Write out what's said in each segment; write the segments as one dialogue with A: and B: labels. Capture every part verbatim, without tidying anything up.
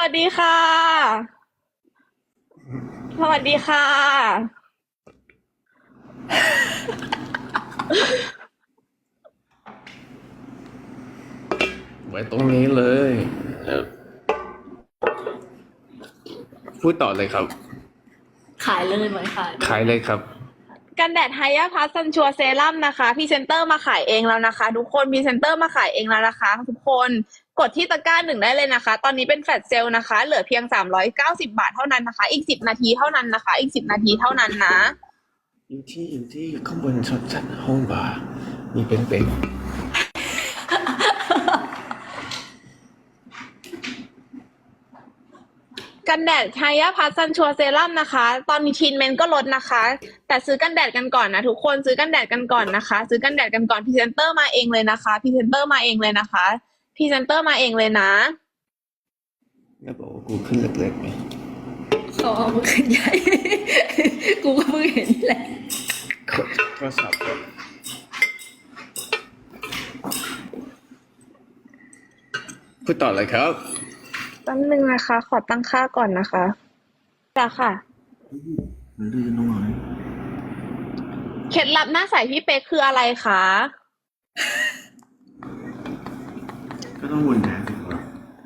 A: วัสดีค่ะสวัสดีค่ะ
B: ไว้ตรงนี้เลยเอ่อพูดต่อเลยครับ
C: ขายเลยไหมขายเลย
B: ขายเลยครับ
A: กันแดดไฮยาพัสซันชัวเซรั่มนะคะพรีเซนเตอร์มาขายเองแล้วนะคะทุกคนพรีเซนเตอร์มาขายเองแล้วนะคะทุกคนกดที่ตะกร้าหนึ่งได้เลยนะคะตอนนี้เป็นแฟลชเซลนะคะเหลือเพียงสามร้อยเก้าสิบบาทเท่านั้นนะคะอีกสิบนาทีเท่านั้นนะคะอีกสิบนาทีเท่านั้นนะ
B: อยู่ที่อยู่ที่ข้างบนชั้นชั้นห้องบาร์มีเป็นเป็น
A: กันแดดไฮยาพัสซันชัวเซรั่มนะคะตอนนี้ทีนเมนก็ลดนะคะแต่ซื้อกันแดดกันก่อนนะทุกคนซื้อกันแดดกันก่อนนะคะซื้อกันแดดกันก่อนพรีเซนเตอร์มาเองเลยนะคะพรีเซนเตอร์มาเองเลยนะคะพรีเซนเตอร์มาเองเลยนะ
B: แล้วบอกว่ากูขึ้นเล็กๆไหม
C: เขาเอามาขึ้นใหญ่ กูก็เพิ่งเห็นนี่แหละ
B: กดโทรศัพท์ก่อนพูดต่อเลยครับ
A: แป๊บนึงนะคะ ขอตั้งค่าก่อนนะคะจ้ะค่ะ
B: มันดื้อน้อย
A: เคล็ดลับหน้าใสพี่เป๊กคืออะไรคะ
B: ก็ต้องวนแทนสิครับ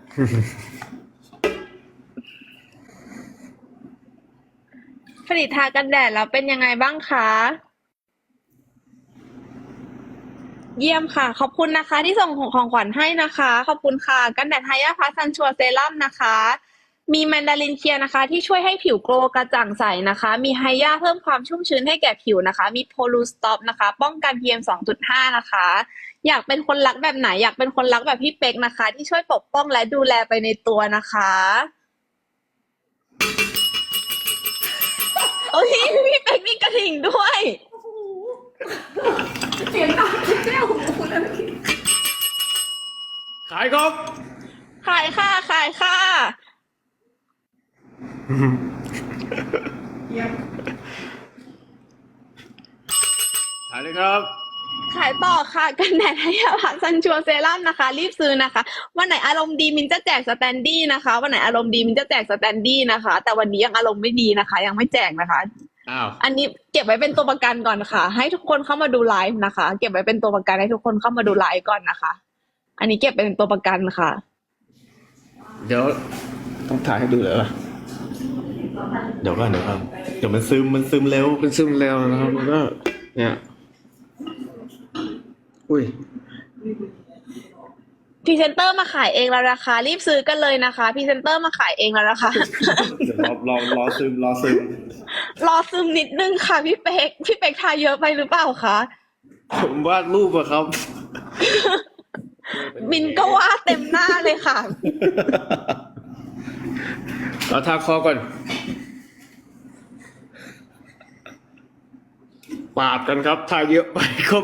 A: ผลิตทากันแดดแล้วเป็นยังไงบ้างคะ เยี่ยมค่ะ ขอบคุณนะคะ ที่ส่งของของขวัญให้นะคะ ขอบคุณค่ะ กันแดดไฮยาพัสซันชัวเซรั่มนะคะ มีแมนดารินเคลียร์นะคะ ที่ช่วยให้ผิวโกลว์กระจ่างใสนะคะ มีไฮยาเพิ่มความชุ่มชื้นให้แก่ผิวนะคะ มีโพลูสต็อปนะคะ ป้องกัน พี เอ็ม สองจุดห้า นะคะ อยากเป็นคนรักแบบไหน อยากเป็นคนรักแบบพี่เป๊กนะคะ ที่ช่วยปกป้องและดูแลไปในตัวนะคะโอ้ยพี่เป๊กมีกระถิ่งด้วย
C: เสียงดังแก้วหูคุณแล้วเมื่อกี้
B: ขายครับ
A: ขายค่ะ ขายค่ะ
B: ขายเลยครับ
A: ขายต่อค่ะกันแดดไฮยาพัสซันชัวเซรั่มนะคะ รีบซื้อนะคะ วันไหนอารมณ์ดีมินจะแจกสแตนดี้นะคะ วันไหนอารมณ์ดีมินจะแจกสแตนดี้นะคะ แต่วันนี้ยังอารมณ์ไม่ดีนะคะ ยังไม่แจกนะคะ
B: อ้าว
A: อันนี้เก็บไว้เป็นตัวประกันก่อนค่ะ ให้ทุกคนเข้ามาดูไลฟ์นะคะ เก็บไว้เป็นตัวประกันให้ทุกคนเข้ามาดูไลฟ์ก่อนนะคะ อันนี้เก็บเป็นตัวประกันค่ะ
B: เดี๋ยวต้องถ่ายให้ดูเลยป่ะเดี๋ยวก่อนเดี๋ยวก่อนเดี๋ยวมันซึมมันซึมเร็วมันซึมเร็วนะครับมันก็เนี่ยอุ้ย
A: พรีเซนเตอร์มาขายเองแล้วนะคะ รีบซื้อกันเลยนะคะพรีเซนเตอร์มาขายเองแล้วนะคะ
D: เดี๋ยวรอรอรอซึมรอซึม
A: รอซึมนิดนึงค่ะพี่เป๊กพี่เป๊กทาเยอะไปหรือเปล่าคะ
B: ผมวาดรูปอะครับ
A: มินก็ว่าเต็มหน้าเลยค่ะ
B: เราทาคอก่อนปาดกันครับทาเยอะไปครับ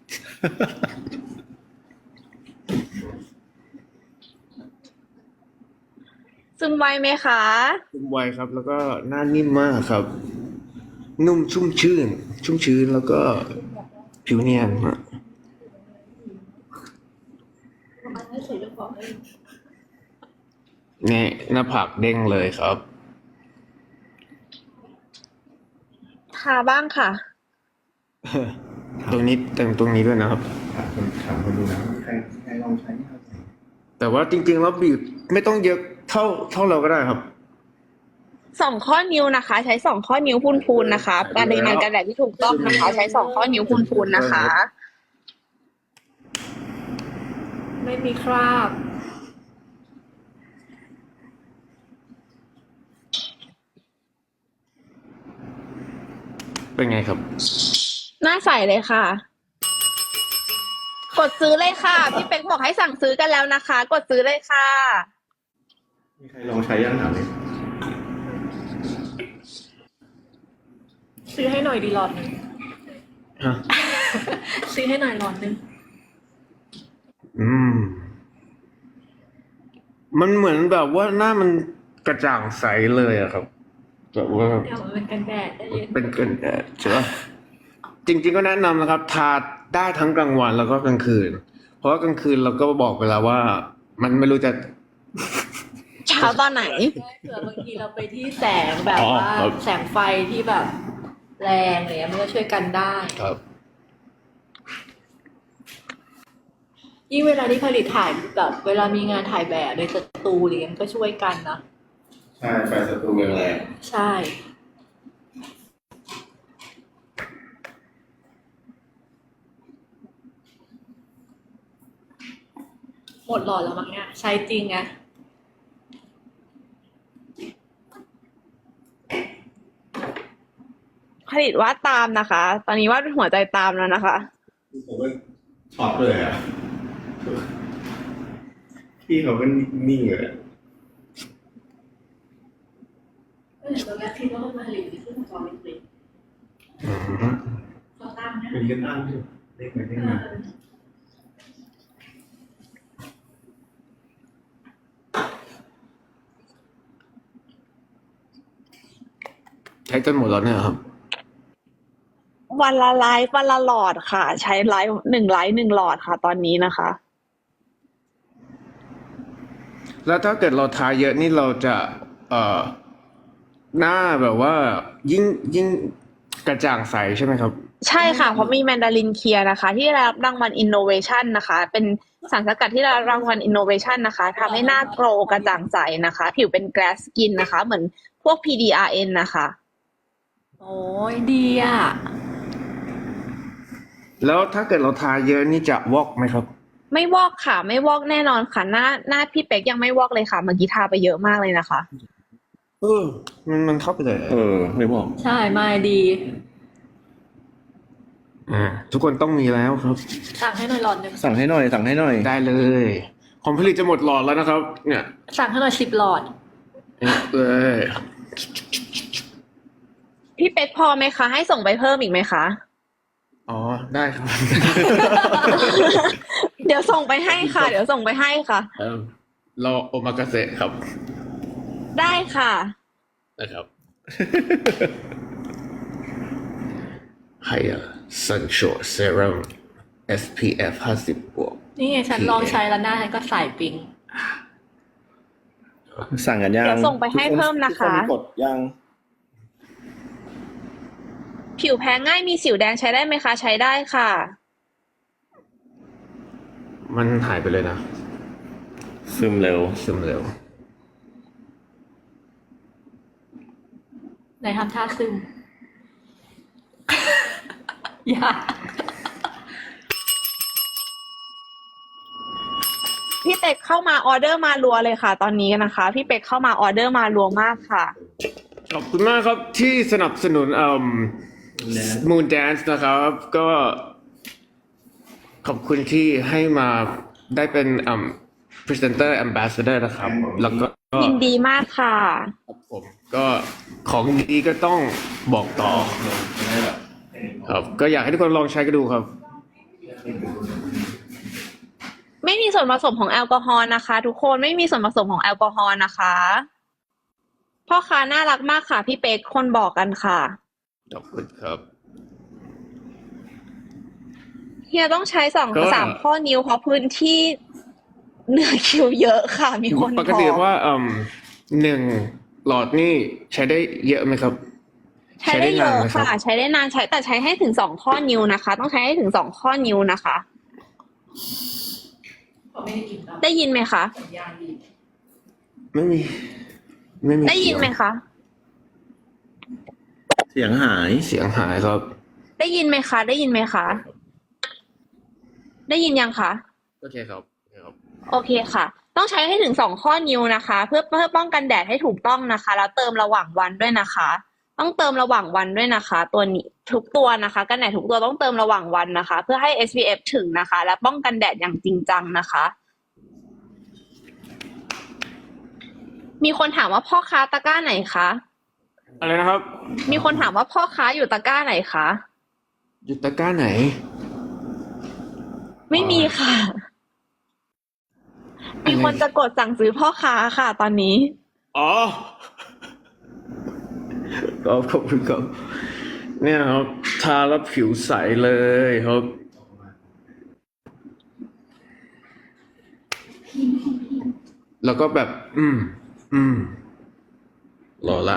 A: ซึมไวไหมคะ
B: ชุ่มไวครับ แล้วก็หน้านิ่มมากครับ นุ่มชุ่มชื่น ชุ่มชื้นแล้วก็ผิวเนียนฮะนี่หน้าผากเด้งเลยครับ
A: ทาบ้างค่ะ
B: ตรงนี้แต่งตรงนี้ด้วยนะครับ
D: ถามคนถามคนดูนะใครใครลองใช้ครับ
B: แต่ว่าจริงๆแล้วบีบไม่ต้องเยอะเท่าเท่าเราก็ได้ครับ
A: สองข้อนิ้วนะคะ ใช้สองข้อนิ้วพูนๆนะคะปริมาณกันแดดที่ถูกต้องนะคะ ใช้สองข้อนิ้วพูนๆนะคะ
C: ไม่มีคราบ
B: เป็นไงครับ
A: หน้าใสเลยค่ะ กดซื้อเลยค่ะ พี่เป็กบอกให้สั่งซื้อกันแล้วนะคะ กดซื้อเลยค่ะ
D: มีใครลองใช้ยังถามเลย
C: ซื้อให้หน่อยดีหลอดหนึง
B: ฮะ
C: ซื้อให้หน่อยหลอดหนึง
B: อืม มันเหมือนแบบว่าหน้ามันกระจ่างใสเลยอะครับแบบว่า
C: เดี๋ยวมันเป็นกันแดดได้เย็น
B: เป็นเกินแดดใช่ปะจริงๆก็แนะนำนะครับ ทาได้ทั้งกลางวันแล้วก็กลางคืน เพราะว่ากลางคืนเราก็บอกไปแล้วว่า มันไม่รู้จะ
A: ใช่ช้าตอนไหน
C: เผื่อบางทีเราไปที่แสงแบบ
B: อ๋อ
C: ว่า
B: ครับ
C: แสงไฟที่แบบแรงอะไรเงี้ยมันก็ช่วยกันได้
B: ครับ
C: ยิ่งเวลาที่ผลิตถ่ายแบบเวลามีงานถ่ายแบบในสตูอะไรเงี้ยมันก็ช่วยกันนะ
D: ใช่ไฟสตูแรง
C: ใช่ หมดหลอดแล้วมั้งเนี่ยใช้จริงไง
A: ผลิตวาดตามนะคะ ตอนนี้วาดหัวใจตามแล้วนะคะ
D: ๆผมก็ช็อตเลยอ่ะพี่เขาก็นิ่งเลยอะ
C: ตอนแรกคิดว่ามาผลิตที่เครื่องจอเล็ก
B: อืม
C: ๆเขาตั้งนะ
D: เป็นกันตั้งอยู่เล็กไปเล็กมา
B: ใช้จนหมดแล้วเนี่ยครับ
A: วันละไลฟ์วันละหลอดค่ะ ใช้ไลฟ์หนึ่งไลฟ์หนึ่งหลอดค่ะ ตอนนี้นะคะ
B: แล้วถ้าเกิดเราทาเยอะนี่เราจะ เอ่อ หน้าแบบว่า ยิ่งยิ่งกระจ่างใสใช่ไหมครับ
A: ใช่ค่ะ เพราะมีแมนดารินเคลียร์นะคะ ที่ได้รับรางวัลอินโนเวชันนะคะ เป็นสารสกัดที่ได้รับรางวัลอินโนเวชันนะคะทำให้หน้าโกลว์กระจ่างใสนะคะ ผิวเป็นแกลสสกินนะคะ เหมือนพวก พี ดี อาร์ เอ็น นะคะ
C: โอ้ยดีอ่ะ
B: แล้วถ้าเกิดเราทาเยอะนี่จะวอกไหมครับ
A: ไม่วอกค่ะ ไม่วอกแน่นอนค่ะ หน้าหน้าพี่เป๊กยังไม่วอกเลยค่ะ เมื่อกี้ทาไปเยอะมากเลยนะคะ
B: เออ มันมันเข้าไปเลย
D: เออไม่บอก
C: ใช่ไม่ดี
B: อ่าทุกคนต้องมีแล้วครับ
C: สั่งให้หน่อยหลอดหนึ่ง
D: สั่งให้หน่อยสั่งให้หน่อย
B: ได้เลยผมผลิตจะหมดหลอดแล้วนะครับ เนี่ย
C: สั่งให้หน่อยสิบหลอด
B: เนี่ยเลย
A: พี่เป๊กพอไหมคะ ให้ส่งไปเพิ่มอีกไหมคะ
B: อ๋อ ได้ครับ
A: เดี๋ยวส่งไปให้ค่ะ เดี๋ยวส่งไปให้ค่ะ
B: เอิ่มรอโอมากาเสะครับ
A: ได้ค่ะ
B: นะครับ ไฮซันโชเซรั่ม เอส พี เอฟ ห้าสิบบวก
C: นี่ไงฉันลองใช้แล้วหน้าฉันก็ใสปิ๊ง
D: สั่งกันยัง
A: เดี๋ยวส่งไปให้เพิ่มนะคะ
D: ทุกกดยัง
A: ผิวแพ้ง่ายมีสิวแดงใช้ได้ไหมคะ ใช้ได้ค่ะ
B: มันหายไปเลยนะ
D: ซึมเร็ว
B: ซึมเร็ว
C: ไหนทำท่าซึม อย่า
A: พี่เป็กเข้ามาออเดอร์มารัวเลยค่ะ ตอนนี้นะคะ พี่เป็กเข้ามาออเดอร์มารัวมากค่ะ
B: ขอบคุณมากครับที่สนับสนุนเอ่อ Moon Dance นะครับ ก็ขอบคุณที่ให้มาได้เป็นเอ่อ Presenter Ambassador นะครับ แล้วก็
A: ยินดีมากค่ะ
B: ครับผมก็ของดีก็ต้องบอกต่อครับก็อยากให้ทุกคนลองใช้กันดูครับ
A: ไม่มีส่วนผสมของแอลกอฮอล์นะคะ ทุกคนไม่มีส่วนผสมของแอลกอฮอล์นะคะพ่อค้าน่ารักมากค่ะ พี่เป๊กคนบอกกันค่ะ
B: ขอบคุณครับ
A: เฮียต้องใช้สอง
B: ก็
A: สามข้อนิ้วเพราะพื้นที่เหนือคิวเยอะค่ะ มีคน
B: ป
A: บ
B: กติ
A: อก
B: ว่าเอ่อหนึ่งหลอดนี่ใช้ได้เยอะไหมครับ
A: ใช้ได้เยอะ
B: ใช้ได้นานไหมครับ
A: ค่ะ ใช้ได้นานใช้แต่ใช้ให้ถึงสองข้อนิ้วนะคะ ต้องใช้ให้ถึงสองข้อนิ้วนะคะ ได้ยินไหมคะ
B: ไม่มี ไม่มี
A: ได้ยินไหมคะ
D: เสียงหาย
B: เสียงหายครับ
A: ได้ยินไหมคะ ได้ยินไหมคะ ได้ยินยังคะ
B: โอเคครับโอเคครับ
A: โอเคค่ะ ต้องใช้ให้ถึงสองข้อนิ้วนะคะ เพื่อเพื่อป้องกันแดดให้ถูกต้องนะคะ แล้วเติมระหว่างวันด้วยนะคะ ต้องเติมระหว่างวันด้วยนะคะ ตัวนี้ทุกตัวนะคะกันแดดทุกตัวต้องเติมระหว่างวันนะคะ เพื่อให้ เอส พี เอฟ ถึงนะคะ และป้องกันแดดอย่างจริงจังนะคะ มีคนถามว่าพ่อค้าตะกร้าไหนคะ
B: อะไรนะครับ
A: มีคนถามว่าพ่อค้าอยู่ตะกร้าไหนคะ
B: อยุตะกร้าไหน
A: ไม่มีค่ะ มีคนจะกดสั่งซื้อพ่อค้าค่ะ ตอนนี้
B: อ๋อขอบขอบคุณครับ เนี่ยครับ ทาแล้วผิวใสเลยครับ แล้วก็แบบ อืมอืมรอละ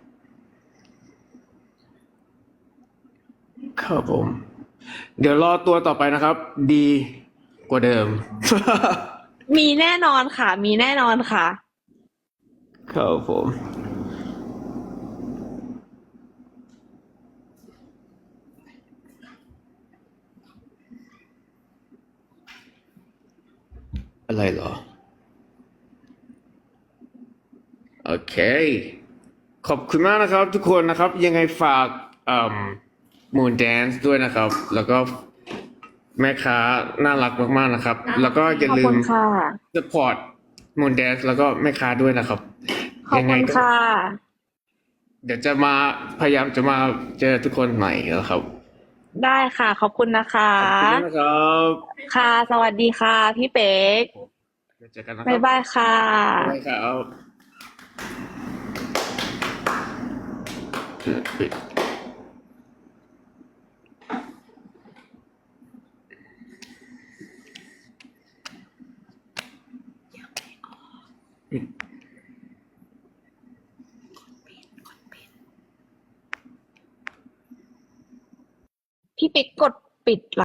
B: ครับผม เดี๋ยวรอตัวต่อไปนะครับ ดีกว่าเดิม
A: มีแน่นอนค่ะ มีแน่นอนค่ะ
B: ครับผม อะไรเหรอ โอเค ขอบคุณมากนะครับทุกคนนะครับ ยังไงฝากมูนแดนซ์ด้วยนะครับ แล้วก็แม่ค้าน่ารักมากๆนะครับ แล้วก็อย่า
A: ขอบ
B: ลื
A: คุ
B: ม
A: ณค่ะ
B: support มูนแดนซ์แล้วก็แม่ค้าด้วยนะครับ
A: ขอบ
B: ยังไง
A: คุณ
B: ก็
A: ค่ะ
B: เดี๋ยวจะมาพยายามจะมาเจอทุกคนใหม่นะครับ
A: ได้ค่ะ ขอบคุณนะคะ
B: ขอบคุณมากนะครับ
A: ค่ะ สวัสดีค่ะ พี่เป๊ก
B: เดี๋ยวเจอกันนะค
A: บ๊า
B: รั
A: ย
B: บ
A: บายค่ะ
B: บ๊ายบายครับปิด
A: พี่เป๊กกดปิด